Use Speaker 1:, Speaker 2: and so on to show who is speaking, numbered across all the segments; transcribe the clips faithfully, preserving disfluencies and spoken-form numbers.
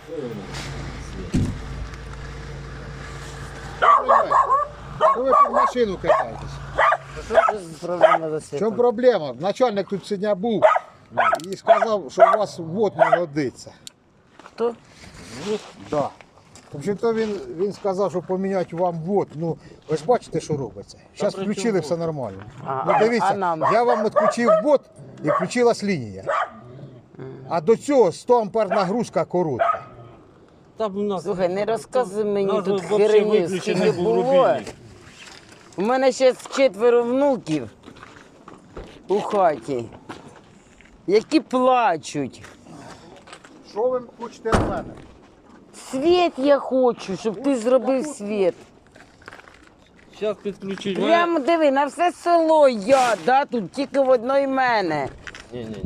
Speaker 1: Ну ви під машину кидаєтесь.
Speaker 2: Проблема за
Speaker 1: В
Speaker 2: світом.
Speaker 1: чому проблема? Начальник тут сьогодні був і сказав, що у вас вод не годиться.
Speaker 2: Хто?
Speaker 1: Да. Тобто він, він сказав, що поміняти вам вод. Ну, ви ж бачите, що робиться. Зараз
Speaker 3: при
Speaker 1: включили,
Speaker 3: чому
Speaker 1: все нормально.
Speaker 2: А,
Speaker 1: Ну
Speaker 2: а
Speaker 1: дивіться,
Speaker 2: нам?
Speaker 1: я вам відключив вод і включилась лінія. А до цього сто ампер нагрузка коротка.
Speaker 3: Там у нас...
Speaker 2: Слухай, не розказуй мені
Speaker 3: нас
Speaker 2: тут
Speaker 3: взагалі
Speaker 2: херню,
Speaker 3: виключений
Speaker 2: скільки
Speaker 3: був
Speaker 2: було.
Speaker 3: рубільник.
Speaker 2: У мене ще четверо внуків у хаті, які плачуть.
Speaker 1: Що ви хочете від мене?
Speaker 2: Світ я хочу, щоб ти зробив світ.
Speaker 3: Зараз підключить.
Speaker 2: Прямо диви, на все село я, да, тут тільки в одної мене.
Speaker 3: Ні-ні-ні.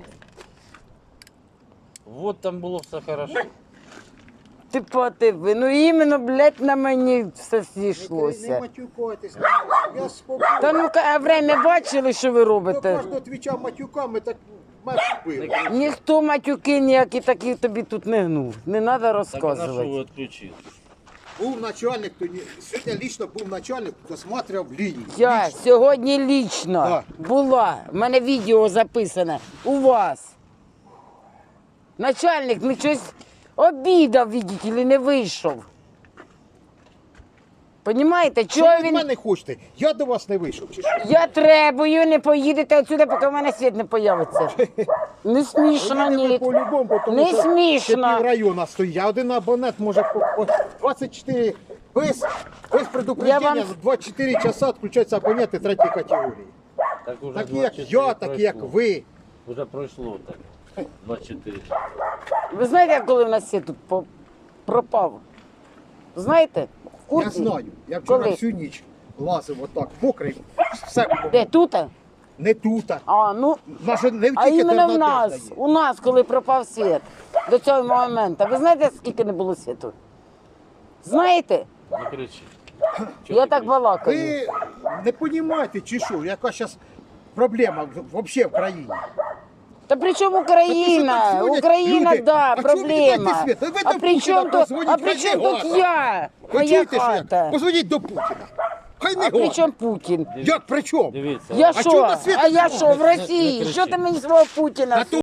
Speaker 3: Вот там було все хорошо.
Speaker 2: Ти подиви, ну іменно, блядь, на мені все
Speaker 1: Не
Speaker 2: зійшлося.
Speaker 1: матюкайтесь. Я спокійно.
Speaker 2: Та ну-ка, а время бачили, що ви
Speaker 1: До
Speaker 2: робите?
Speaker 1: кожного твіча матюками, так мене вбили.
Speaker 2: Ніхто матюки ніякі такі тобі тут не гнув. Не треба
Speaker 3: Так а на що ви
Speaker 2: розказувати.
Speaker 3: відключили?
Speaker 1: Був начальник, то ні- сьогодні лічно був начальник, досматривав лінію.
Speaker 2: Я
Speaker 1: Лічно.
Speaker 2: сьогодні лічно
Speaker 1: Так.
Speaker 2: була, в мене відео записане у вас. Начальник ну щось обідав, видите ли, не вийшов. Понімаєте,
Speaker 1: Що
Speaker 2: чого
Speaker 1: ви від
Speaker 2: він...
Speaker 1: мене хочете? Я до вас не вийшов. Чи що?
Speaker 2: Я требую, не поїдете отсюди, поки в мене світ не появиться. Не смішно,
Speaker 1: Ви
Speaker 2: ні.
Speaker 1: по-любому, тому
Speaker 2: Не
Speaker 1: що ще
Speaker 2: смішно.
Speaker 1: пів району стоїть. А один абонент може по, по двадцять чотири без, без предупреждения
Speaker 2: Я вам-
Speaker 1: за двадцять чотири часа відключаються абоненти третьої категорії.
Speaker 3: Так уже
Speaker 1: Такі як
Speaker 3: двадцять чотири
Speaker 1: я, такі як
Speaker 3: пройшло.
Speaker 1: ви.
Speaker 3: Уже пройшло так. двадцять чотири.
Speaker 2: Ви знаєте, коли в нас світ тут по- пропав? Знаєте? В
Speaker 1: Я
Speaker 2: курсі?
Speaker 1: знаю. Я вчора
Speaker 2: Коли?
Speaker 1: всю ніч лазив отак, мокрий, все було.
Speaker 2: Де, тут?
Speaker 1: Не тут.
Speaker 2: А, ну,
Speaker 1: Наша не
Speaker 2: а
Speaker 1: тільки
Speaker 2: іменно в
Speaker 1: Тернопіль
Speaker 2: нас,
Speaker 1: дає.
Speaker 2: у нас, коли пропав світ, до цього моменту. Ви знаєте, скільки не було світу? Знаєте?
Speaker 3: Не кричи.
Speaker 2: Я так балакаю.
Speaker 1: Ви не розумієте, чи що, яка зараз проблема взагалі в країні?
Speaker 2: Та при чому
Speaker 1: Та
Speaker 2: Україна?
Speaker 1: ти що, так дзвонять
Speaker 2: Україна,
Speaker 1: люди?
Speaker 2: да,
Speaker 1: А чого ви
Speaker 2: проблема.
Speaker 1: кидаєте світ? Та ви
Speaker 2: А
Speaker 1: до
Speaker 2: при
Speaker 1: Путіна
Speaker 2: чому тут,
Speaker 1: позвоніть,
Speaker 2: а при
Speaker 1: хай
Speaker 2: чому
Speaker 1: не
Speaker 2: тут
Speaker 1: гада.
Speaker 2: я?
Speaker 1: Ви
Speaker 2: Моя
Speaker 1: чуєте, що як?
Speaker 2: хата.
Speaker 1: Позвоніть до Путіна. Хай не
Speaker 2: А при
Speaker 1: гада.
Speaker 2: чому Путін?
Speaker 1: Як при чому?
Speaker 3: Дивіться.
Speaker 2: Я
Speaker 1: А чого
Speaker 2: що?
Speaker 1: на світ
Speaker 2: А я
Speaker 1: не
Speaker 2: що, в
Speaker 3: Не- не
Speaker 2: Росії?
Speaker 3: кричи.
Speaker 2: Що ти мені свого Путіна?
Speaker 1: А то